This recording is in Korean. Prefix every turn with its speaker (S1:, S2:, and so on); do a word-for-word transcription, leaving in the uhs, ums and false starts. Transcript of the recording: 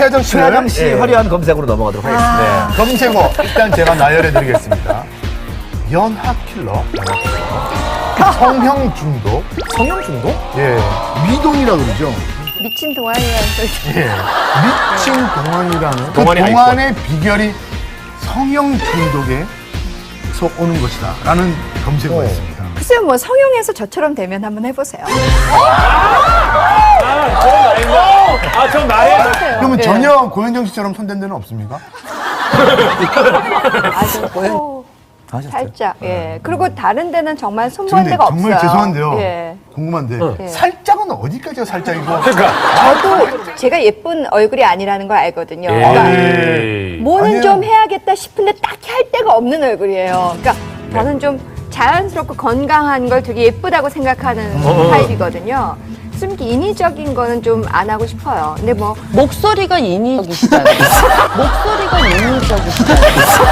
S1: 최정 씨.
S2: 최하정 씨
S1: 예.
S2: 화려한 검색으로 넘어가도록 하겠습니다.
S1: 네. 검색어 일단 제가 나열해드리겠습니다. 연하킬러, 연하킬러. 성형 중독,
S2: 성형 중독?
S1: 예, 미동이라 그러죠.
S3: 미친 동안이라는 소리.
S1: 예, 미친 동안이라는 그
S2: 동안이
S1: 동안의 비결이 성형 중독에 속 오는 것이다 라는 검색어가 있습니다.
S3: 글쎄요, 뭐 성형해서 저처럼 되면 한번 해보세요.
S2: 아, 전 나의.
S1: 그러면
S3: 예.
S1: 전혀 고현정 씨처럼 손댄 데는 없습니까?
S3: 아주 코 살짝. 예. 그리고 다른 데는 정말 손본
S1: 근데
S3: 데가 없어요.
S1: 정말 죄송한데요.
S3: 예.
S1: 궁금한데
S3: 예.
S1: 살짝은 어디까지가 살짝이고?
S2: 그러니까.
S3: 저도 제가 예쁜 얼굴이 아니라는 걸 알거든요. 그러니까
S2: 에이.
S3: 뭐는
S1: 아니에요.
S3: 좀 해야겠다 싶은데 딱히 할 데가 없는 얼굴이에요. 그러니까 저는 좀 자연스럽고 건강한 걸 되게 예쁘다고 생각하는 타입이거든요. 좀 이렇게 인위적인 거는 좀 안 하고 싶어요. 근데 뭐
S4: 목소리가 인위적이시잖아요. 목소리가 인위적이시잖아요.